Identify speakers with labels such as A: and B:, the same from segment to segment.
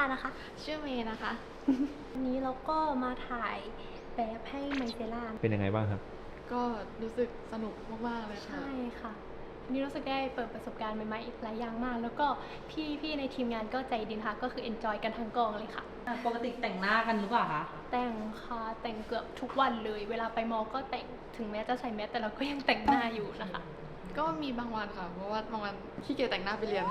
A: นะคะ
B: ชื่อเมย์นะคะ
A: วันนี้เราก็มาถ่ายแบบให้ไมเซล่า
C: เป็นยังไงบ้างครับ
B: ก็รู้สึกสนุกมากๆเลยค่ะ
A: ใช่ค่ะวันนี้รู้สึกได้เปิดประสบการณ์ใหม่ๆอีกหลายอย่างมาก แล้วก็พี่ในทีมงานก็ใจดีค่ะ ก็คือ enjoy กันทั้งกองเลยค่ะ
D: ปกติแต่งหน้ากันหรือเปล่าคะ
A: แต่งค่ะแต่งเกือบทุกวันเลย เวลาไปมอก็แต่งถึงแม้จะใส่แมสแต่เราก็ยังแต่งหน้าอยู่นะคะ
B: ก็มีบางวันค่ะ เพราะว่าบางวันขี้เกียจแต่งหน้าไปเรียน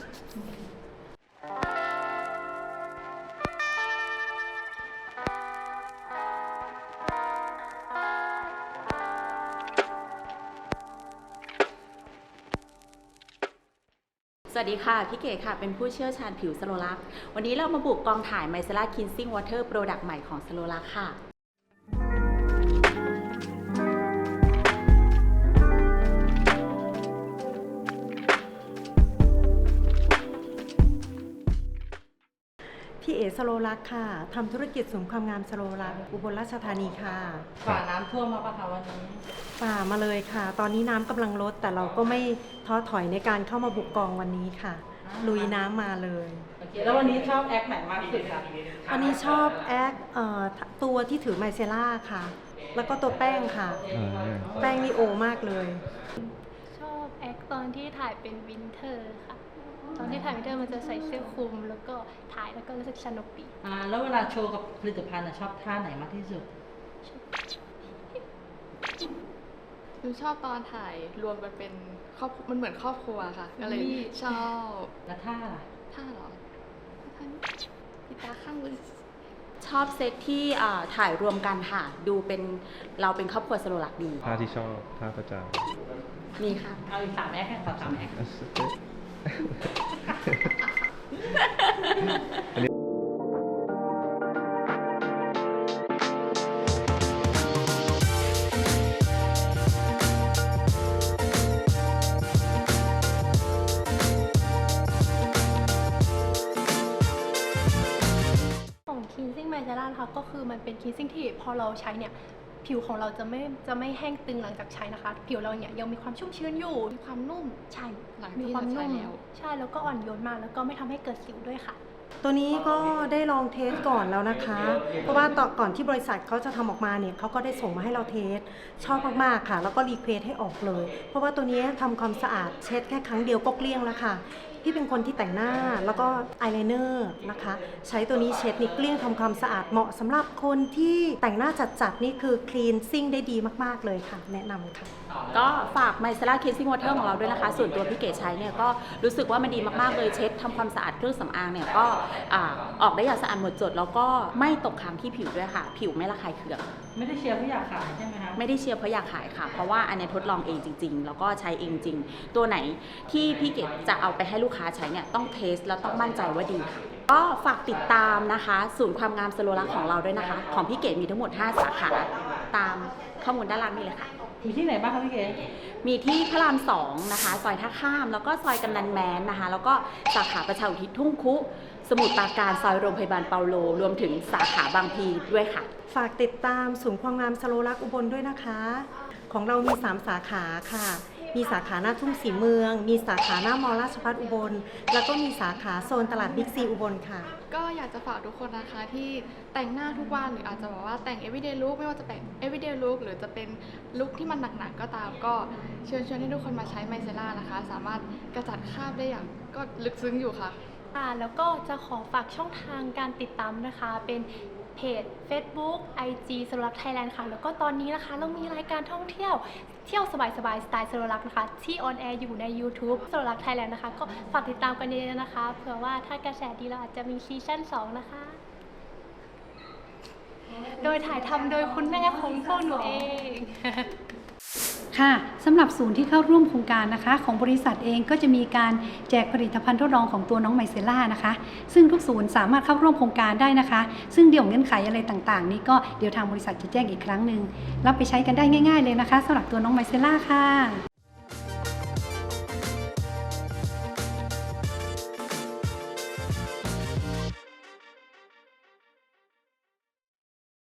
D: สวัสดีค่ะ พี่เก๋ค่ะ เป็นผู้เชี่ยวชาญผิวสโลลักวันนี้เรามาบุกกองถ่าย Micellar Cleansing Water Product ใหม่ของสโลลักค่ะ
E: พี่เอสโลลักษณ์ค่ะทำธุรกิจเสริมความงามสโลลักษณ์อุบลราชธานีค่ะ
D: ฝ่าน้ำท่วมมาปะคะวันนี้
E: ฝ่ามาเลยค่ะ ตอนนี้น้ำกำลังลดแต่เราก็ไม่ท้อถอยในการเข้ามาบุกกองวันนี้ค่ะ ลุยน้ำมาเลย
D: โอเค แล้ววันนี้ชอบแอคไหนมากที่สุดคะ
E: วันนี้ชอบแอคตัวที่ถือไมเซล่าค่ะ แล้วก็ตัวแป้งค่ะ แป้งนี่โอมากเลย
A: ชอบแอคตอนที่ถ่ายเป็นวินเทอร์ค่ะ ตอนที่ถ่ายวินเทอร์มันจะใส่เสื้อคลุม แล้วก็ถ่ายแล้วก็รู้สึกสนุกดี
D: แล้วเวลาโชว์กับผลิตภัณฑ์ชอบท่าไหนมากที่สุด
B: หนูชอบตอนถ่ายรวมกันเป็นครอบมันเหมือนครอบครัวค่ะ ก็เลยชอบ
D: แล้วท่าล่ะ
B: ท่าเหรอท่านี้พี่ตาข้างเลย
D: ชอบเซตที่ถ่ายรวมกันค่ะ ดูเป็นเราเป็นครอบครัวสโลลักดี
C: ท่าที่ชอบท่าประจ
D: มีค่ะ เอาอีก3 แอคค่ะขอ3 แอค
A: ของ cleansing micellar นะคะก็คือมันเป็น cleansing ที่พอเราใช้เนี่ยผิวของเราจะไม่แห้งตึงหลังจากใช้นะคะ ผิวเราเนี่ยยังมีความชุ่มชื้นอยู่
B: มีความนุ่ม
A: ใช่
B: หลัง
A: มี
B: ที่
A: ความ
B: เราใช้
A: นุ่ม
B: แล้ว
A: ใช่แล้วก็อ่อนโยนมากแล้วก็ไม่ทำให้เกิดสิวด้วยค่ะ
E: ตัวนี้ก็ได้ลองเทสก่อนแล้วนะคะ เพราะว่าตอนก่อนที่บริษัทเขาจะทำออกมาเนี่ยเขาก็ได้ส่งมาให้เราเทส ชอบมากๆค่ะ แล้วก็รีเควสให้ออกเลย เพราะว่าตัวนี้ทำความสะอาดเช็ดแค่ครั้งเดียวก็เกลี้ยงแล้วค่ะ พี่เป็นคนที่แต่งหน้าแล้วก็อายไลเนอร์นะคะ ใช้ตัวนี้เช็ดนี่เกลี้ยงทำความสะอาดเหมาะสำหรับคนที่แต่งหน้าจัดๆนี่คือคลีนซิ่งได้ดีมากๆเลยค่ะ แนะนำค่ะ
D: ก็ฝาก Micellar Cleansing Water ของเราด้วยนะคะ ส่วนตัวพี่เก๋ใช้เนี่ยก็รู้สึกว่ามันดีมากๆเลยเช็ดทำความสะอาดเครื่องสำอางเนี่ยก็ออกได้อย่างสะอาดหมดจด แล้วก็ไม่ตกค้างที่ผิวด้วยค่ะ ผิวไม่ระคายเคือง
F: ไม่ได้เชียร์เพื่ออยากขายใช่ไหมคะ
D: ไม่ได้เชียร์เพราะอยากขายค่ะ เพราะว่าอันเนี้ยทดลองเองจริงๆ แล้วก็ใช้เองจริง ตัวไหนที่พี่เก๋จะเอาไปให้ลูกค้าใช้เนี่ยต้องเทสแล้วต้องมั่นใจว่าดีค่ะ ก็ฝากติดตามนะคะ ศูนย์ความงามสโลลักของเราด้วยนะคะ ของพี่เก๋มีทั้งหมด 5 สาขา ตามข้อมูลด้านล่างนี่เลยค่ะ
F: มีที่ไหนบ้างคะพี่เก๋
D: มีที่พระราม2นะคะ ซอยท่าข้าม แล้วก็ซอยกำนันแม้นนะคะ แล้วก็สาขาประชาอุทิศทุ่งคุ สมุทรปราการซอยโรงพยาบาลเปาโล รวมถึงสาขาบางพลีด้วยค่ะ
E: ฝากติดตามศูนย์ความงามสโลลักษณ์อุบลด้วยนะคะ ของเรามี 3 สาขาค่ะ มีสาขาหน้าทุ่งสีเมือง มีสาขาหน้ามอราชภัฏอุบล แล้วก็มีสาขาโซนตลาดบิ๊กซีอุบลค่ะ
B: ก็อยากจะฝากทุกคนนะคะที่แต่งหน้าทุกวันหรืออาจจะบอกว่าแต่ง everyday look ไม่ว่าจะแต่ง everyday look หรือจะเป็นลุคที่มันหนักๆก็ตาม ก็เชิญให้ทุกคนมาใช้ไมเซล่านะคะ สามารถกระจัดคราบได้อย่างก็ลึกซึ้งอยู่ค่ะ
A: แล้วก็จะขอฝากช่องทางการติดตามนะคะ เป็นเพจ Facebook IG สโลลักไทยแลนด์ค่ะ แล้วก็ตอนนี้นะคะเรามีรายการท่องเที่ยวสบายสไตล์สโลลักนะคะ ที่ออนแอร์อยู่ใน YouTube สโลลักไทยแลนด์นะคะ ก็ฝากติดตามกันเยอะๆนะคะ เผื่อว่าถ้ากระแสดีเราอาจจะมีซีซั่น2 นะคะ โดยถ่ายทำโดยคุณแม่ของพวกหนูเอง
G: ค่ะสำหรับศูนย์ที่เข้าร่วมโครงการนะคะของบริษัทเองก็จะมีการแจกผลิตภัณฑ์ทดลองของตัวน้องไมเซล่านะคะซึ่งทุกศูนย์สามารถเข้าร่วมโครงการได้นะคะซึ่งเดี๋ยวเงื่อนไขอะไรต่างๆนี้ก็เดี๋ยวทางบริษัทจะแจ้งอีกครั้งหนึ่งรับไปใช้กันได้ง่ายๆเลยนะคะสำหรับตัวน้องไมเซล่าค่ะ